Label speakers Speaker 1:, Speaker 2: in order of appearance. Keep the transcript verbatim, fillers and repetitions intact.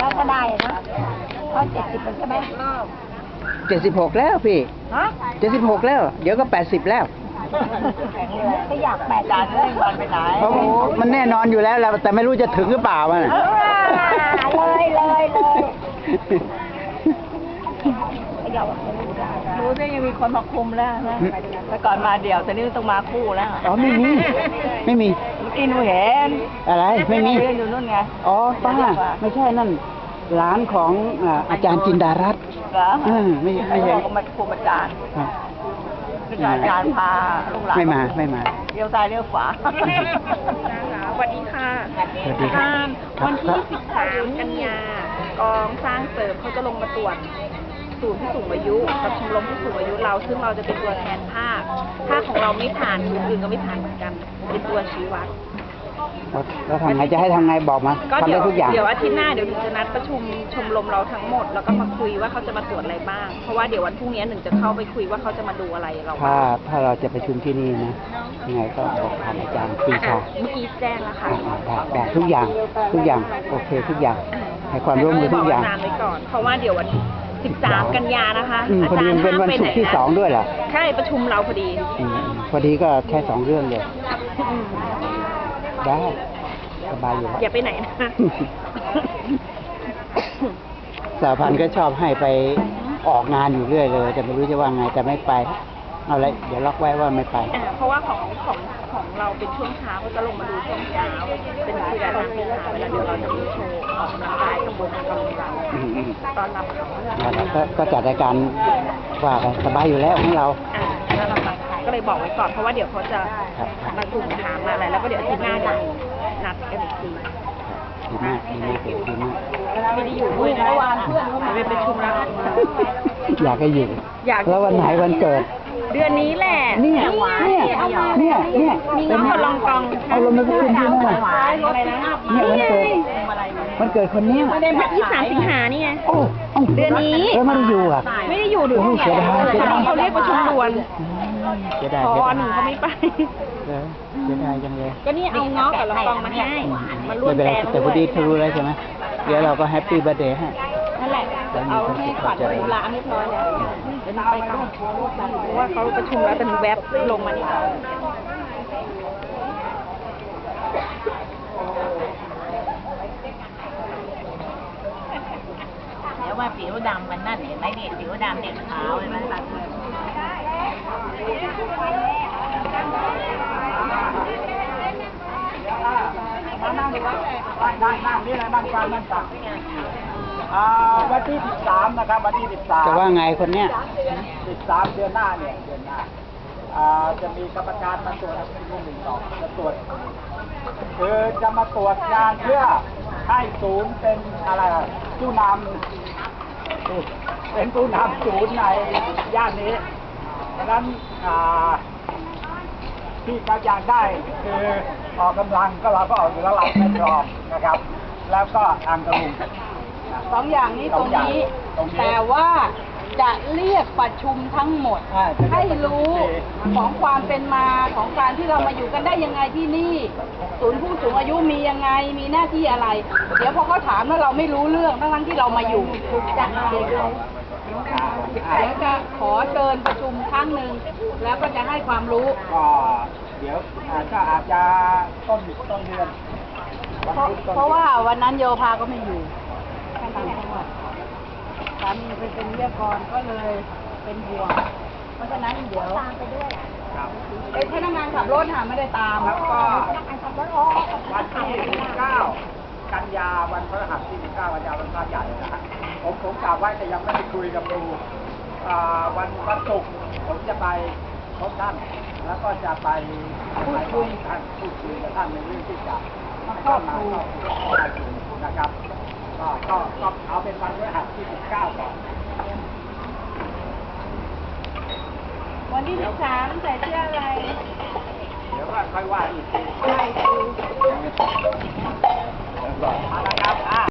Speaker 1: แล้วก็ได้นะเพราะเจ็ดสิบเป็นใช่ไหมรอบ
Speaker 2: เจ็ดสิบหกแล้วพี่
Speaker 1: ฮะ
Speaker 2: เจ็ดสิบหกแล้ว เดี๋ยวก็แปดสิบแล้ว
Speaker 1: ก็อยากแปดสิบเลยวันไปไหน
Speaker 2: เพราะมันแน่นอนอยู่แล้วแหละแต่ไม่รู้จะถึงหรือเปล่ามัน
Speaker 1: เลยเลยเลยรู้ได้ยังมีคนมาคุมแล้วนะแต่ก่อนมาเดี่ยวแต่นี่ต้องมาคู่แล้ว
Speaker 2: อ๋อไม่มี ไม่มี
Speaker 1: เมื่อกี้หนูเห็น
Speaker 2: อะไรไม่มี
Speaker 1: เรียนอยู่นู่นไง
Speaker 2: อ๋อป้าไม่ใช่นั่นร้านของอ่าอาจารย์จินดารัตน์
Speaker 1: เหรอ
Speaker 2: อืมไม่ไม่เห็น
Speaker 1: ก็มาคุมอาจารย์
Speaker 2: ครับ
Speaker 1: อาจารย์พาลูกหลาน
Speaker 2: ไม่มาไม่มา
Speaker 1: เลี้ยวซ้ายเลี้ยวขวา
Speaker 3: สวัสดีค่ะ
Speaker 2: สวัสดีครับ
Speaker 3: วันที่ สิบสาม กันยากองสร้างเสริมเขาจะลงมาตรวจศูนย์ผู้สูงอายุกับชมรมผู้สูงอายุเรา ซึ่งเราจะเป็นตัวแทนภาคภาคของเราไม่ผ่านคนอื่นก็ไม่ผ่านเหมือนกัน เป็นตัวชี้วัด
Speaker 2: แล้วแล้วทำไงจะให้ทำไงบอกมา
Speaker 3: ก็
Speaker 2: ทำ
Speaker 3: เดี๋
Speaker 2: ได้
Speaker 3: ยว
Speaker 2: ทุกอย่าง
Speaker 3: เดี๋ยวอาทิตย์หน้าเดี๋ยวหนึ่งจะนัดประชุมชมรมเราทั้งหมด แล้วก็มาคุยว่าเขาจะมาตรวจอะไรบ้าง เพราะว่าเดี๋ยววันพรุ่งนี้หนึ่งจะเข้าไปคุยว่าเขาจะมาดูอะไรเรา
Speaker 2: ถ้า
Speaker 3: บ้าง
Speaker 2: ถ้าเราจะประชุมที่นี่นะยังไงก็บอกผ่านอาจารย์ปรีชา
Speaker 3: เมื่อกี้แจ้งแล้วค่ะ
Speaker 2: ได้ได้ทุกอย่างทุกอย่างโอเคทุกอย่างให้ความร่วมมือทุกอย่าง
Speaker 3: นานไว้ก่อน เพราะว่าเดี๋ยววันสิบสาม กันยานะคะ
Speaker 2: อืมพอดีมันเป็นวันศุกร์ที่สองด้วยเหรอ
Speaker 3: ใช่ประชุมเราพอดี
Speaker 2: อืมพอดีก็ใช้สองเรื่องเลย
Speaker 3: อืม
Speaker 2: ได้สบายอยู่แล้ว
Speaker 3: อย่าไปไหนนะ
Speaker 2: สาพันธ์ก็ชอบให้ไปออกงานอยู่เรื่อยเลย แต่ไม่รู้จะว่าไงแต่ไม่ไป เอาละเดี๋ยวล็อกไว้ว่าไม่ไป
Speaker 3: อ่าเพราะว่าของของของเราเป็นช่วงเช้าก็จะลงมาดูช่วงเช้า เป็นคือการทำที่หาเวลาเดี๋ยวเราจะมีโชว์ออกกำลังกายกับวงกำลังเรา
Speaker 2: อืมอืม
Speaker 3: ตอนรับเขา
Speaker 2: เอาละก็ก็จัดรายการว่าไปสบายอยู่แล้วของเรา
Speaker 3: อ่าแล้วเราก็เลยบอกไว้ก่อนเพราะว่าเดี๋ยวเขาจะ
Speaker 2: ครับ
Speaker 3: มากลุ่มถามมาอะไรแล้วก็เดี๋ยวอาทิตย์หน้าจะนัดกันอีกที
Speaker 2: ดีมากดีมากดีมาก
Speaker 3: ไม่ได้อยู่ด้วยนะเมื่อวานเพื่อนเขาไปประชุมแล้ว
Speaker 2: อยากให้อยู่
Speaker 3: อยาก
Speaker 2: แล้ววันไหนวันเกิด
Speaker 3: เดือนนี้แหละ
Speaker 2: เนี่ยเนี่ยเนี่ยเนี่ย
Speaker 3: มีน้องคนลองกอง
Speaker 2: เอาลงมาประชุมที่นั่นน่ะ
Speaker 3: อะไรนะ
Speaker 2: เนี่ยวันเกิดวันเกิดคนเนี้ย
Speaker 3: เดือนที่สามสิงหานี่ไง
Speaker 2: โอ้า
Speaker 3: เดือนนี้
Speaker 2: แล้วไม่ได้อยู่อ่ะ
Speaker 3: ไม่ได้อยู่ดู
Speaker 2: โอ้ยเสียดายเสียดาย
Speaker 3: เขาเรียกประชุมด่วน
Speaker 2: เสียดาย
Speaker 3: พ
Speaker 2: เสีย
Speaker 3: อ
Speaker 2: ดาย
Speaker 3: หนึ่งเขาไม่ไป
Speaker 2: เออเสียดายจังเลย
Speaker 3: ก็นี่เอาเงาะกับลองกองมาให้ มาร่ว
Speaker 2: ไม่
Speaker 3: ม
Speaker 2: เป็นไร
Speaker 3: แจม
Speaker 2: แต่พอดีเธอรู้แล้วใช่ไหมเดี๋ยวเราก็แฮปปี้เบิร์เดย์ให้
Speaker 3: นั่นแหละจะเอาให้ขวัญดูร้านเรียบร้อยแล้วเดี๋ยวหนูไปก่อนเพราะว่าเขาประชุมแล้วแต่หนูแวบลงมานี่ก่อน
Speaker 1: เดี๋ยวว่าผิวดำมันนั่นเห็นไหมเนี่ยผิวดำเนี่ยขาวเห็นไหมล่ะนั่งดีกว่านั่งนั่งนี่เลยนั่งกลางนั่งตักอ่าวันที่สิบสามนะครับวันที่สิบสาม
Speaker 2: จะว่าไงคนเนี้ย
Speaker 1: สิบสามเดือนหน้าเนี่ยเดือนหน้าอ่าจะมีกรรมการมาตรวจที่หนึ่งสองจะตรวจคือจะมาตรวจงานเพื่อให้ศูนย์เป็นอะไรอ่ะผู้นำเป็นผู้นำศูนย์ในย่านนี้ดังนั้นอ่าที่เขาอยากได้คือออกกำลังก็เราก็ออกอยู่แล้วเราไม่พร้อมนะครับ แล้วก็อ่างกระลุง
Speaker 4: สองอย่างนี้ตรงนี้
Speaker 1: ตรงนี้
Speaker 4: แต่ว่าจะเรียกประชุมทั้งหมด
Speaker 1: อ่าจะเรียก
Speaker 4: ให้รู้ของความเป็นมาของการที่เรามาอยู่กันได้ยังไงที่นี่ ศูนย์ผู้สูงอายุมียังไงมีหน้าที่อะไร เดี๋ยวพอเขาถามแล้วเราไม่รู้เรื่องทั้งๆที่เรามาอยู่จากเด็กเราเดี๋ยวจะขอเชิญประชุมครั้งหนึ่งแล้วก็จะให้ความรู้
Speaker 1: ก็เดี๋ยวอาจจะอาจจะต้นต้นเดือนวัน
Speaker 4: เพราะ
Speaker 1: พุธต้น
Speaker 4: เพราะว่าวันนั้นโยภาก็ไม่อยู่ท่านต่างจังหวัดสามีไปเป็นวิทยากรก็เลยเป็นห่วงเพราะฉะนั้นเดี๋ยว
Speaker 1: ครับ
Speaker 4: เป็นพนักงานขับรถหาไม่ได้ตาม
Speaker 1: แล้วก็วันที่สิบเก้ากันยาวันพฤหัสที่สิบเก้ากันยาวันพระใหญ่นะฮะผมผมกล่าวไว้แต่ยังไม่ได้คุยกับครูอ่าวันวันศุกร์ผมจะไปพบท่าน แล้วก็จะไปพูดคุยท่านพูดคุยกับท่านในเรื่องที่จะเข้ามาเข้ามาถึงนะครับก็ก็ก็เอาเป็นวันพฤหัสที่สิบเก้าก่อน
Speaker 4: วันที่สิบสามใส่เสื้ออะไร
Speaker 1: เดี๋ยวก็ค่อยว่าอีกที
Speaker 4: ใส่คือ
Speaker 1: เอาละครับอ่ะ